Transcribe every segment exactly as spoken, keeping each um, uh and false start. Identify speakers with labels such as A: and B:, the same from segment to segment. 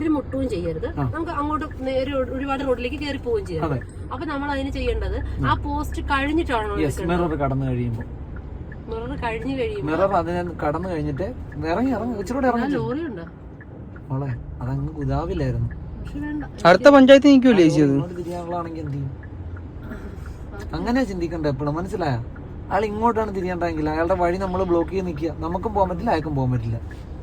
A: മുട്ടുകയും ചെയ്യരുത്, നമുക്ക് അങ്ങോട്ട് നേരെ ഒരുപാട് റോഡിലേക്ക് കയറി പോവുകയും ചെയ്യരുത്. അപ്പൊ നമ്മൾ അതിന് ചെയ്യേണ്ടത് ആ പോസ്റ്റ് കഴിഞ്ഞിട്ടാണോ
B: മിറർ കടന്നു കഴിയുമ്പോൾ
A: മിറർ കഴിഞ്ഞു കഴിയുമ്പോൾ
B: മിറർ അതിനെ കടന്നു കഴിഞ്ഞിട്ട് ഇറങ്ങി ഇറങ്ങി ഇച്ചിരി ഇറങ്ങി
A: ലോറി ഉണ്ടോ
B: മോളെ അതങ്ങ് ഗുദാവിലായിരുന്നു.
C: അടുത്ത പഞ്ചായത്ത് നിൽക്കൂലേ
B: തിരിയാനുള്ളതാണെങ്കിൽ എന്ത് ചെയ്യും? അങ്ങനെ ചിന്തിക്കണ്ട എപ്പോഴും, മനസ്സിലായ? അയാൾ ഇങ്ങോട്ടാണ് തിരിയണ്ടെങ്കിൽ അയാളുടെ വഴി നമ്മൾ ബ്ലോക്ക് ചെയ്ത് നിൽക്കുക, നമുക്കും പോകാൻ പറ്റില്ല അയാൾക്കും പോകാൻ പറ്റില്ല.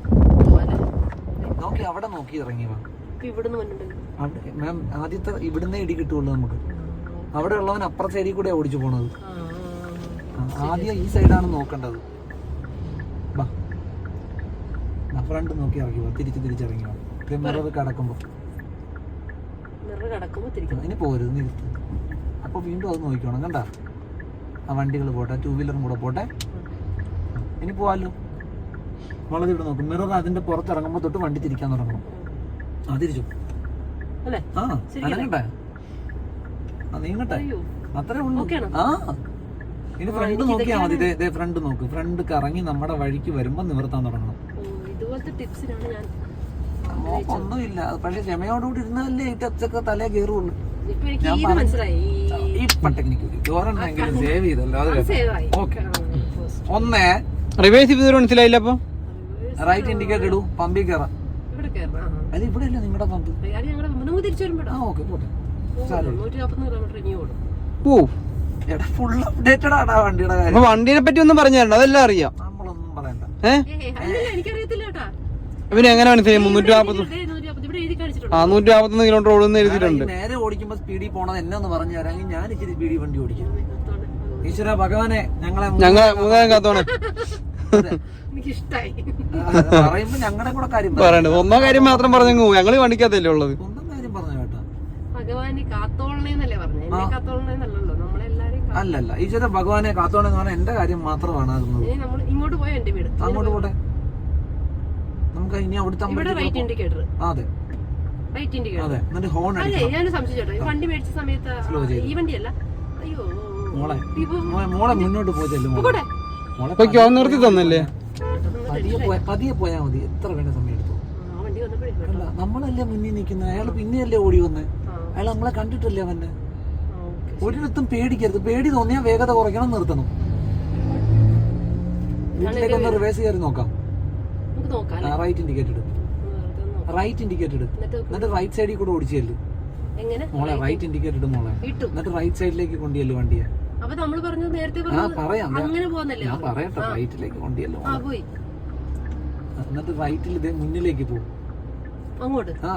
B: നോക്കി അവിടെ നോക്കി ഇറങ്ങി വാ. മാം ആദ്യത്തെ ഇവിടുന്ന് ഇടി കിട്ടുള്ളൂ നമുക്ക്. അവിടെ ഉള്ളവൻ അപ്പുറ സൈഡിൽ കൂടെ ഓടിച്ചു പോണത്. ആദ്യം ഈ സൈഡാണ് നോക്കേണ്ടത്. ഫ്രണ്ട് നോക്കി ഇറങ്ങി വാ, തിരിച്ച് തിരിച്ചിറങ്ങി വാ. മിറർ കടക്കുമ്പോ ഇനി പോരുത്, നിർത്തി. അപ്പൊ വീണ്ടും അത് നോക്കിക്കോണം, കണ്ട? ആ വണ്ടികൾ പോട്ടെ, ടൂ വീലറും കൂടെ പോട്ടെ. ഇനി പോവാല്ലോ. വളരെ ഇവിടെ നോക്കും. മിറർ അതിന്റെ പുറത്തിറങ്ങുമ്പോ തൊട്ട് വണ്ടി തിരിക്കാൻ തുടങ്ങണം. ആ തിരിച്ചു. ആ അനങ്ങട്ടെ, ആ നീങ്ങട്ടെ, അത്രേ ഉള്ളൂ. ആ ഇനി ഫ്രണ്ട് നോക്കിയാ മതി. ഇതേ ഫ്രണ്ട് നോക്ക്. ഫ്രണ്ട് കറങ്ങി നമ്മുടെ വഴിക്ക് വരുമ്പോ നിവർത്താൻ തുടങ്ങണം. ഒന്നുമില്ല, പക്ഷെ ക്ഷമയോടുകൂടി ഇരുന്നാലേ ഈ ടച്ചൊക്കെ തലേ കയറുള്ളൂ. ഇപ്പൊ ടെക്നിക്ക് ചോറുണ്ടെങ്കിലും സേവ് ചെയ്തല്ലോ. അത് ഓക്കെ. ഒന്ന്
C: റിവേഴ്സ് ചെയ്ത് മനസ്സിലായില്ല. അപ്പൊ
B: റൈറ്റ് ഇൻഡിക്കേറ്റർ ഇടൂ, പമ്പിൽ കയറാം. അത് ഇവിടെ അല്ലേ നിങ്ങളുടെ പമ്പ്? ആ ഓക്കെ പോട്ടെ.
C: ഓ
B: എടാ ഫുൾ അപ്ഡേറ്റഡ് ആണ് ആ വണ്ടിയുടെ കാര്യം.
C: വണ്ടിനെ പറ്റി ഒന്നും പറഞ്ഞു തരണ്ട, അതെല്ലാം അറിയാം.
B: നമ്മളൊന്നും പറയണ്ട.
C: ഏഹ് പിന്നെ എങ്ങനെ മനസ്സിലായി? മുന്നൂറ്റി നാപ്പത്തി ആ നൂറ്റി നാപ്പത്തൊന്ന് കിലോമീറ്റർ ഓടുന്ന എഴുതിയിട്ടുണ്ട്.
B: നേരെ ഓടിക്കുമ്പോ സ്പീഡിൽ പോണത് എന്നെ ഒന്ന് പറഞ്ഞു തരാമെങ്കിൽ ഞാൻ ഇച്ചിരി സ്പീഡിൽ വണ്ടി ഓടിക്കും. ഈശ്വര ഭഗവാനെ ഞങ്ങളെ
C: ഞങ്ങളെ മൂന്നാം കാത്തോണേ
B: പറയുമ്പോ ഞങ്ങളുടെ കൂടെ കാര്യം
C: പറയണ്ട. ഒന്നോ കാര്യം മാത്രം പറഞ്ഞു, ഞങ്ങള് വണ്ടിക്കകത്തല്ലേ ഉള്ളത്.
B: സ്വന്തം കാര്യം പറഞ്ഞു കേട്ടോ. അല്ലല്ല ഈശ്വര ഭഗവാനെ കാത്തോണെന്ന് പറഞ്ഞാൽ എന്റെ കാര്യം മാത്രമാണ് ആകുന്നത്. അങ്ങോട്ട് പോട്ടെ. നമുക്ക് ഇനി അവിടുത്തെ അതെ അതെ. എന്നിട്ട് ഹോൺ മോളെ മോളെ മുന്നോട്ട് പോയല്ലോ. മോളെ
C: നിർത്തി തന്നല്ലേ.
B: പതിയെ പോയാ പതിയെ പോയാ മതി. എത്ര വേണ്ട സമയം എടുത്തു. അല്ല നമ്മളല്ലേ മുന്നിൽ നിൽക്കുന്നത്, അയാൾ പിന്നെയല്ലേ ഓടി വന്നേ. അയാൾ നമ്മളെ കണ്ടിട്ടല്ലേ അവന്നെ. ഒരിടത്തും പേടിക്കരുത്. പേടി തോന്നിയാൽ വേഗത കുറയ്ക്കണം, നിർത്തണം. വീട്ടിലേക്ക് ഒന്ന് റിവേഴ്സ് കയറി നോക്കാം. റൈറ്റ് ഇൻഡിക്കേറ്റർ ഇടും, റൈറ്റ് ഇൻഡിക്കേറ്റർ ഇടും. എന്നിട്ട് റൈറ്റ് സൈഡിൽ കൂടെ ഓടിച്ചല്ലേ മോളെ. റൈറ്റ് ഇൻഡിക്കേറ്റർ ഇടും മോളെ. എന്നിട്ട് റൈറ്റ് സൈഡിലേക്ക് കൊണ്ടുവല്ലോ വണ്ടിയെ. ആ പറയാം, ഞാൻ പറയട്ടെ. റൈറ്റിലേക്ക് കൊണ്ടുവല്ലോ. എന്നിട്ട് റൈറ്റിൽ ഇതേ മുന്നിലേക്ക് പോകും.
A: അങ്ങോട്ട്